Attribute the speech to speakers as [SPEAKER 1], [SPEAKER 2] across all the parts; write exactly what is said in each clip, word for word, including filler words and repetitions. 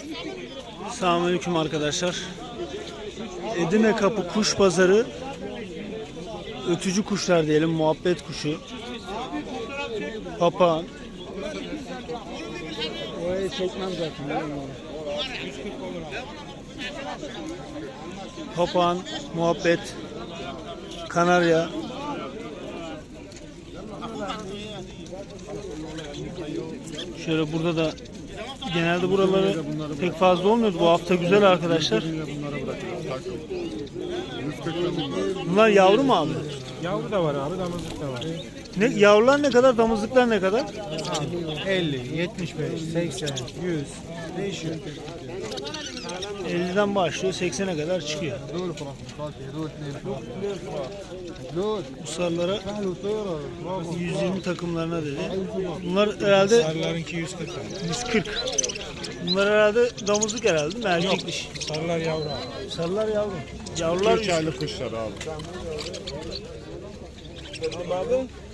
[SPEAKER 1] Selamünaleyküm arkadaşlar. Edirne Kapı Kuş Pazarı, ötücü kuşlar diyelim, muhabbet kuşu, papağan. Orayı çekmem zaten. Papağan, muhabbet, kanarya. Şöyle burada da genelde buraları pek fazla olmuyordu. Bu hafta güzel arkadaşlar. Bunlar yavru mu abi?
[SPEAKER 2] Yavru da var abi, damızlık da var.
[SPEAKER 1] Ne, yavrular ne kadar, damızlıklar ne kadar?
[SPEAKER 2] elli, yetmiş beş, seksen, yüz değişiyor.
[SPEAKER 1] elliden başlıyor, seksene kadar çıkıyor. Bu sarılara yüz yirmi takımlarına dedi. Bunlar herhalde
[SPEAKER 2] Sarılarınki yüz kırk.
[SPEAKER 1] yüz kırk. Bunlar herhalde damızlık herhalde değil mi? Erkek dişi.
[SPEAKER 2] Sarılar yavru abi.
[SPEAKER 1] Sarılar yavru. Yavrular
[SPEAKER 2] üç aylık kuşlar abi.
[SPEAKER 1] Abi.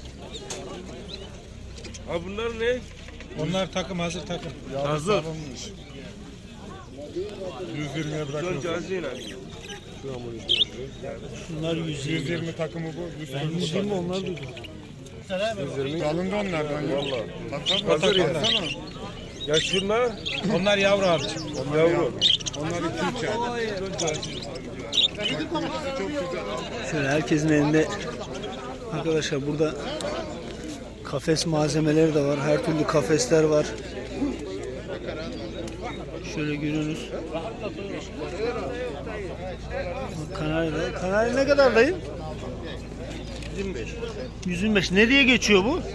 [SPEAKER 3] Ha bunlar ne?
[SPEAKER 2] Onlar takım, hazır takım.
[SPEAKER 3] Hazır.
[SPEAKER 2] yüz yirmiye bırakıyoruz.
[SPEAKER 1] Şunlar yüz yirmi.
[SPEAKER 2] yüz yirmi takımı bu.
[SPEAKER 1] Ben yüz yirmi onlar duydum.
[SPEAKER 2] Alındı onlardan ya. Valla.
[SPEAKER 3] Hazır ya. Ya şunlar
[SPEAKER 2] Onlar yavru abi.
[SPEAKER 3] yavru.
[SPEAKER 2] Onlar iki üç ay.
[SPEAKER 1] Şöyle herkesin elinde arkadaşlar, burada kafes malzemeleri de var. Her türlü kafesler var. Şöyle görüyorsunuz. Kanarya. Kanarya ne kadar dayı?
[SPEAKER 3] yüz yirmi beş.
[SPEAKER 1] yüz yirmi beş. Ne diye geçiyor bu?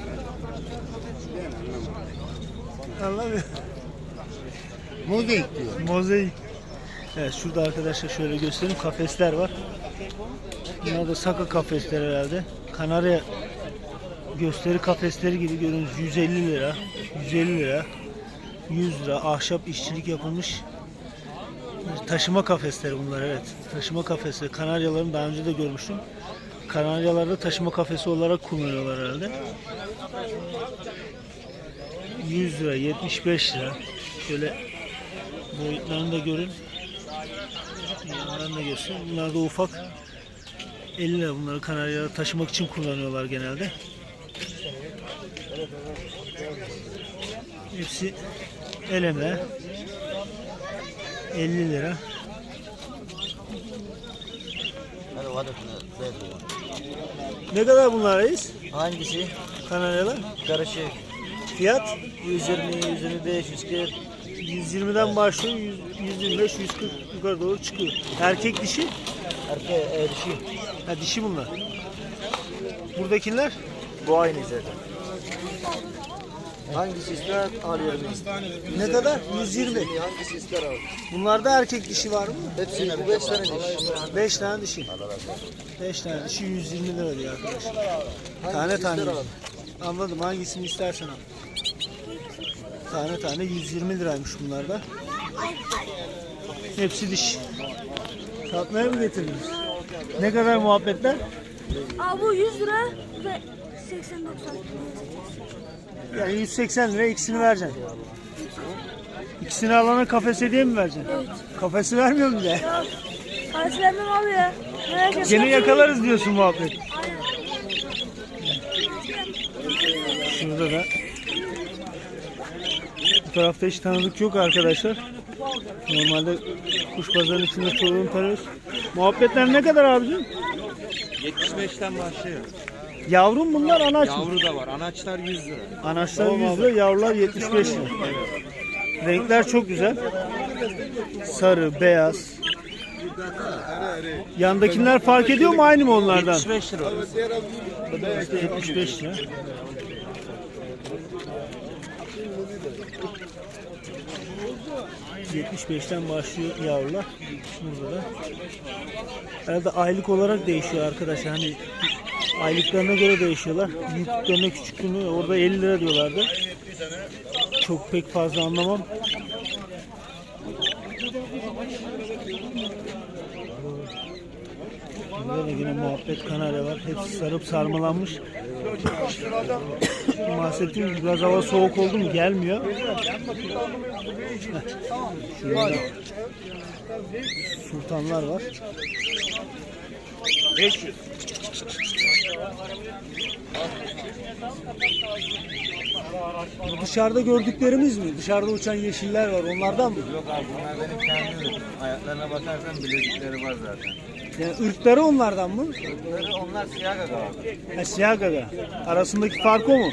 [SPEAKER 1] Anlamıyorum.
[SPEAKER 2] Mozaik diyor.
[SPEAKER 1] Mozaik. Evet, şurada arkadaşlar şöyle göstereyim, kafesler var. Bunlar da saka kafesler herhalde. Kanarya gösteri kafesleri gibi görüyorsunuz. yüz elli lira, yüz elli lira, yüz lira. Ahşap işçilik yapılmış taşıma kafesleri bunlar, evet. Taşıma kafesi. Kanaryaların daha önce de görmüştüm. Kanaryalarda taşıma kafesi olarak kullanıyorlar herhalde. yüz lira, yetmiş beş lira. Şöyle boyutlarını da görün. Yanlarını da göstereyim. Bunlar da ufak. elli lira. Bunları kanaryalara taşımak için kullanıyorlar genelde. Hepsi eleme. elli lira. Ne kadar bunlar reis?
[SPEAKER 4] Hangisi?
[SPEAKER 1] Kanaryalar.
[SPEAKER 4] Karışık.
[SPEAKER 1] Fiyat
[SPEAKER 4] yüz yirmi, yüz yirmi beş, yüz kırk.
[SPEAKER 1] yüz yirmiden başlıyor. yüz, yüz yirmi beş, yüz kırk yukarı doğru çıkıyor. Erkek dişi?
[SPEAKER 4] Erkeğe e, dişi.
[SPEAKER 1] Ha, dişi bunlar. Buradakiler?
[SPEAKER 4] Bu aynı zaten. Hangisi ister alıyorum.
[SPEAKER 1] Ne kadar? yüz yirmi.
[SPEAKER 4] Hangisi ister al.
[SPEAKER 1] Bunlarda erkek dişi var mı?
[SPEAKER 4] Hepsi bu beş tane diş.
[SPEAKER 1] beş tane dişi. beş tane dişi yüz yirmi lira diyor arkadaşlar. Tane tane.
[SPEAKER 4] ister al.
[SPEAKER 1] Anladım, hangisini istersen al. Tane tane yüz yirmi liraymış bunlar da. Hepsi diş. Satmaya mı getirdiniz? Ne kadar muhabbetler?
[SPEAKER 5] Abi bu yüz lira ve seksen doksan.
[SPEAKER 1] Yani yüz seksen lira, ikisini vereceksin. İkisini alana kafes hediye mi vereceksin?
[SPEAKER 5] Evet.
[SPEAKER 1] Kafesi vermiyor mu bize?
[SPEAKER 5] Ya parası vermem abi ya. Merak etme.
[SPEAKER 1] Gene yakalarız diyorsun muhabbet.
[SPEAKER 5] Aynen.
[SPEAKER 1] Şurada da. Bu tarafta hiç tanıdık yok arkadaşlar. Normalde kuş pazarının içinde sorun tanıyoruz. Muhabbetler ne kadar abicim?
[SPEAKER 6] yetmiş beşten başlıyor.
[SPEAKER 1] Yavru mu bunlar, anaç mı?
[SPEAKER 6] Yavru da var. Anaçlar yüz lira.
[SPEAKER 1] Anaçlar yüz lira, yavrular yetmiş beş lira. Renkler çok güzel. Sarı, beyaz. Yandakiler fark ediyor mu, aynı mı onlardan?
[SPEAKER 6] yetmiş beş lira.
[SPEAKER 1] yetmiş beş lira. yetmiş beşten başlıyor yavrular. Burada da. Herhalde aylık olarak değişiyor arkadaşlar. Hani aylıklarına göre değişiyorlar. Büyüklüklerine, küçüklüğüne, orada elli lira diyorlardı. Çok pek fazla anlamam. Burada da yine muhabbet kanarya var. Hepsi sarıp sarmalanmış. Bahsettiğim gibi biraz hava soğuk oldu mu gelmiyor. Şurada sultanlar var.
[SPEAKER 3] beş yüz.
[SPEAKER 1] Bu dışarıda gördüklerimiz mi? Dışarıda uçan yeşiller var. Onlardan mı?
[SPEAKER 6] Yok abi bunlar benim kendi ürünüm. Ayaklarına bakarsan bilezikleri var zaten.
[SPEAKER 1] Yani ırkları onlardan mı?
[SPEAKER 6] Bunları onlar siyah gaga abi.
[SPEAKER 1] Ha, siyah gaga. Arasındaki fark o mu?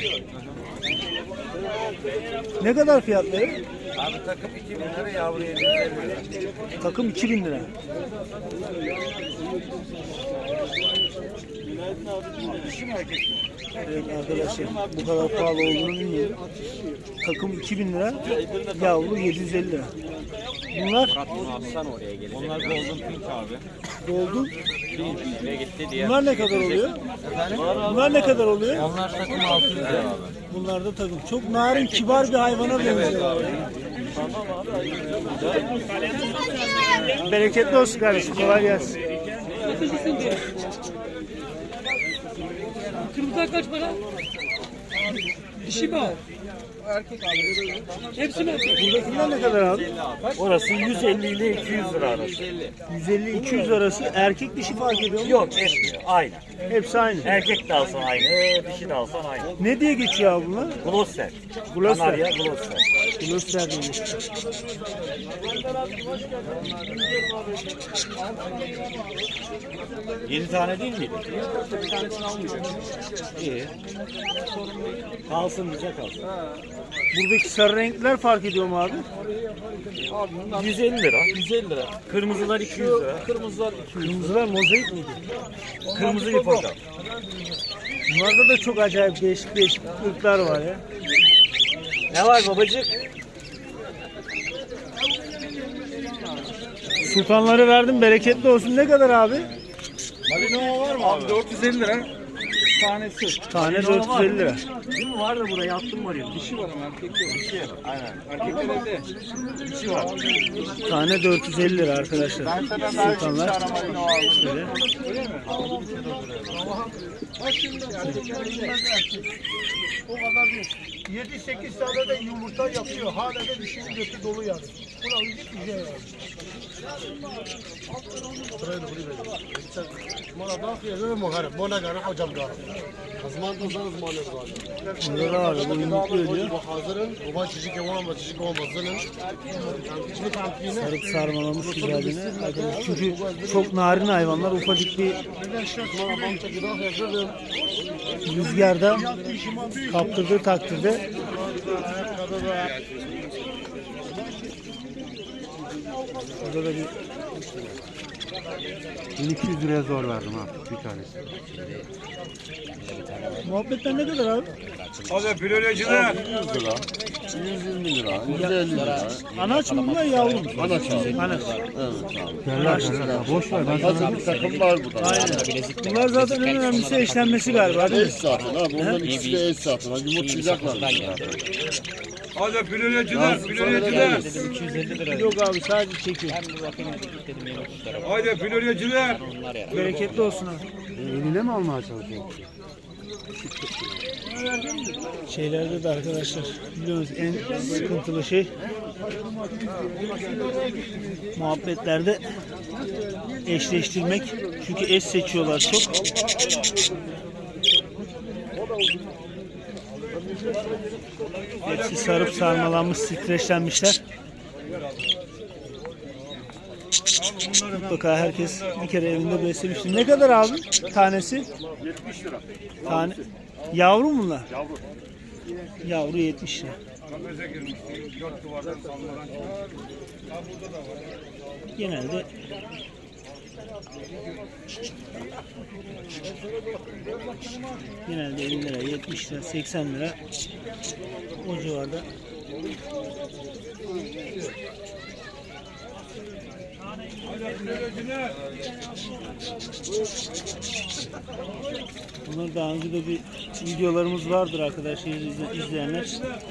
[SPEAKER 1] Ne kadar fiyatları?
[SPEAKER 6] Abi takım iki bin lira, yavru yedi yüz elli lira.
[SPEAKER 1] Takım iki bin lira. Evet arkadaşlar, bu kadar pahalı olduğunu bilmiyorum. Takım iki bin lira, yavru yedi yüz elli lira. Bunlar
[SPEAKER 6] Onlar golden pink abi.
[SPEAKER 1] doldu.
[SPEAKER 6] Ve gitti diye.
[SPEAKER 1] Bunlar ne kadar oluyor? Bunlar ne kadar oluyor?
[SPEAKER 6] Onlar takım altı yüz lira abi.
[SPEAKER 1] Bunlar da takım. Çok narin, kibar bir hayvana benziyor. Bereketli olsun kardeşim. Kolay gelsin.
[SPEAKER 7] Kırmızılar kaç para? Dişi mi o? Erkek abi. Hepsi mi erkek?
[SPEAKER 1] Buradakiler ne kadar abi?
[SPEAKER 8] Orası yüz elli ile iki yüz lira arası.
[SPEAKER 1] yüz elli iki yüz arası. Erkek dişi fark ediyor mu?
[SPEAKER 8] Yok etmiyor. Aynı.
[SPEAKER 1] Hepsi aynı.
[SPEAKER 8] Erkek de alsan aynı, dişi de alsan aynı.
[SPEAKER 1] Ne diye geçiyor abi bunlar?
[SPEAKER 8] Glosser.
[SPEAKER 1] Glosser.
[SPEAKER 8] Kanarya Glosser.
[SPEAKER 1] Glosser diye.
[SPEAKER 8] Yedi tane değil miydi? İyi. Kalsın bize kalsın.
[SPEAKER 1] Buradaki sarı renkler fark ediyor mu abi?
[SPEAKER 8] yüz elli lira. yüz elli lira. Kırmızılar iki yüz lira. Kırmızılar iki yüz.
[SPEAKER 1] Kırmızılar mozaik miydi?
[SPEAKER 8] Kırmızı ipoka.
[SPEAKER 1] Bunlarda da çok acayip değişik değişik ırklar var ya.
[SPEAKER 8] Ne var babacık?
[SPEAKER 1] Sultanları verdim, bereketli olsun. Ne kadar abi?
[SPEAKER 6] Malinois var mı abi? dört yüz elli lira. Tanesi.
[SPEAKER 1] Tane dört yüz elli lira.
[SPEAKER 8] Değil mi? Var da buraya attım var ya.
[SPEAKER 6] Dişi var ama erkek yok. Dişi. Aynen. Erkekler evde. Dişi var.
[SPEAKER 1] Tane dört yüz elli lira arkadaşlar.
[SPEAKER 6] Ben sana daha üç
[SPEAKER 1] Sultanlar.
[SPEAKER 6] tane Malinois aldım.
[SPEAKER 1] Şöyle.
[SPEAKER 2] O kadar değil. yedi sekiz tane de yumurta yapıyor. Hala da dişinin götü dolu yani. Buna uygun bir şey yani. Bana da fiyatı muharrem. Bana göre hocam göre. Azman da zan azman yazıyor.
[SPEAKER 1] Burada da var. Bu yumurtlu ödüyor.
[SPEAKER 2] Hazırın. Baba çiçek yavan var. Çiçek yavan bazının.
[SPEAKER 1] Sarıp sarmalamış güzelliğine. Çünkü çok narin hayvanlar. Ufacık bir rüzgarda kaptırdığı takdirde burada da bir
[SPEAKER 2] bin iki yüz liraya zor verdim ha bir tanesi.
[SPEAKER 1] muhabbetten ne kadar abi?
[SPEAKER 3] Hadi filolojide.
[SPEAKER 2] yüz lira. yüz yirmi lira. yüz elli lira.
[SPEAKER 1] Anaç mı bunlar yavru mu?
[SPEAKER 2] Anaç abi.
[SPEAKER 1] Anaç.
[SPEAKER 2] Derler derler. Boş ver. Ben sana bir takım var burada.
[SPEAKER 1] Aynen. Bunlar zaten en önemlisi eşlenmesi galiba değil mi?
[SPEAKER 2] Eş zaten ha. Bunların ikisi de eş zaten. Ha, yumurtlayacaklar.
[SPEAKER 3] Hadi filolojide. Filolojide.
[SPEAKER 1] Yok abi sadece çekiyor.
[SPEAKER 3] Hadi filolojide.
[SPEAKER 1] Bereketli olsun abi.
[SPEAKER 2] Eline mi almaya çalışıyorsun?
[SPEAKER 1] Şeylerde de arkadaşlar biliyorsunuz en sıkıntılı şey muhabbetlerde eşleştirmek. Çünkü eş seçiyorlar çok. Hepsi sarıp sarmalanmış, streçlenmişler. Mutlaka herkes bir kere evinde beslemiştir. Ne kadar abi tanesi?
[SPEAKER 3] yetmiş lira.
[SPEAKER 1] Tane. Yavru mu bunlar? Yavru. Yavru yetmiş lira.
[SPEAKER 3] Kafese girmiş. Dört duvardan sallanan.
[SPEAKER 1] Genelde genelde elli lira, yetmiş lira, seksen lira o civarda. Bunlar daha önce de bir videolarımız vardır arkadaşlar izle- izleyenler.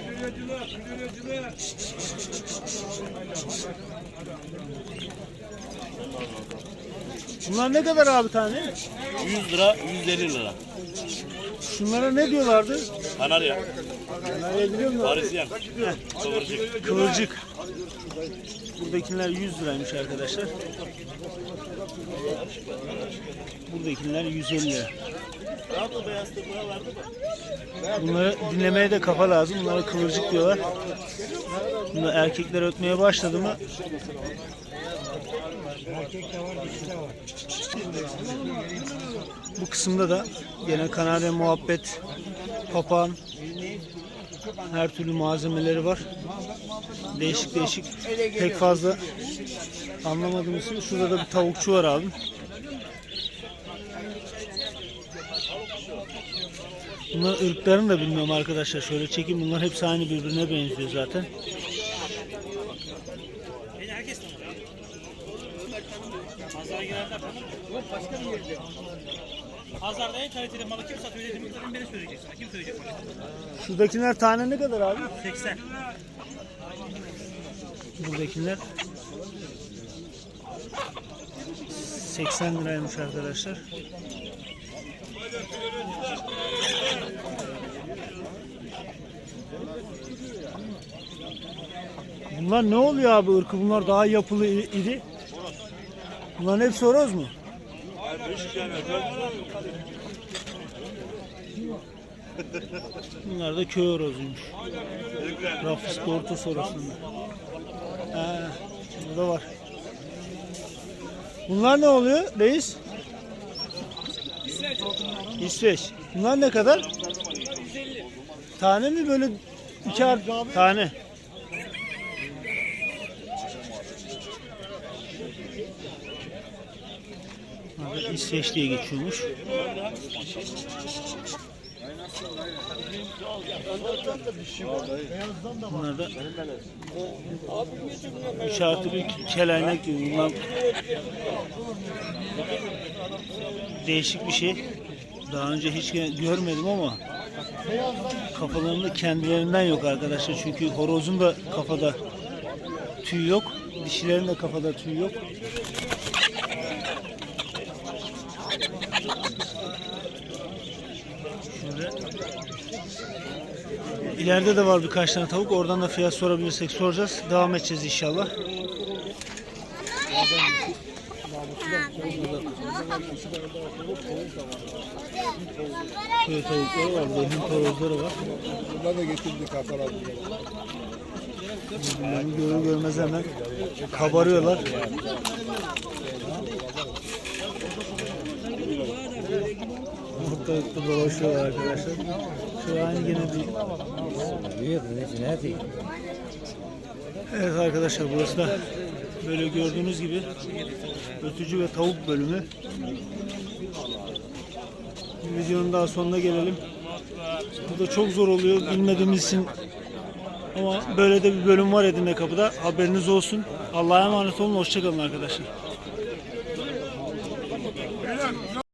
[SPEAKER 1] Bunlar ne kadar abi tane?
[SPEAKER 8] yüz lira, yüz elli lira.
[SPEAKER 1] Şunlara ne diyorlardı?
[SPEAKER 8] Kanarya.
[SPEAKER 1] Kanarya biliyor musun?
[SPEAKER 8] Parisyen. Kıvırcık.
[SPEAKER 1] Kıvırcık. Buradakiler yüz liraymış arkadaşlar. Buradakiler yüz elli lira. Bunları dinlemeye de kafa lazım. Bunlara kıvırcık diyorlar. Bunlar erkekler ötmeye başladı mı? Bu kısımda da gene kanarya muhabbet, papağan, her türlü malzemeleri var. Değişik değişik. Pek fazla anlamadığım için şurada da bir tavukçu var abi. Bunlar ırklarını da bilmiyorum arkadaşlar. Şöyle çekeyim. Bunlar hepsi aynı birbirine benziyor zaten.
[SPEAKER 9] Pazarda en kaliteli malı kim satıyor dediğimi beni söyleyeceksin. Kim söyleyecek bana?
[SPEAKER 1] Şuradakiler tane ne kadar abi?
[SPEAKER 9] seksen.
[SPEAKER 1] Buradakiler seksen liraymış arkadaşlar. Bunlar ne oluyor abi ırkı? Bunlar daha yapılı iri. Bunların hepsi horoz mu? Bunlar da köy horozuymuş. Rafis Portos horozunda. He, burada var. Bunlar ne oluyor reis? İsveç. Bunlar ne kadar? Tane mi böyle iki ar- tane? Burada İsveç diye geçiyormuş. Bunlar da üç artı bir kelaynak gibi. Bunlar değişik bir şey. Daha önce hiç görmedim ama kafalarında kendilerinden yok arkadaşlar. Çünkü horozun da kafada tüy yok. Dişilerin de kafada tüy yok. Şöyle. İleride de var birkaç tane tavuk. Oradan da fiyat sorabilirsek soracağız. Devam edeceğiz inşallah. Şöyle tavukları var. Benim horozları var.
[SPEAKER 2] Bunlar da getirdik Hakan abi.
[SPEAKER 1] Birbirlerini görür görmez hemen kabarıyorlar. Ortalıkta dolaşıyorlar arkadaşlar. Şu an yine bir... Evet arkadaşlar, burası da böyle gördüğünüz gibi ötücü ve tavuk bölümü. Videonun daha sonuna gelelim. Bu da çok zor oluyor bilmediğimiz için. Ama böyle de bir bölüm var Edirnekapı'da. Haberiniz olsun. Allah'a emanet olun. Hoşça kalın arkadaşlar.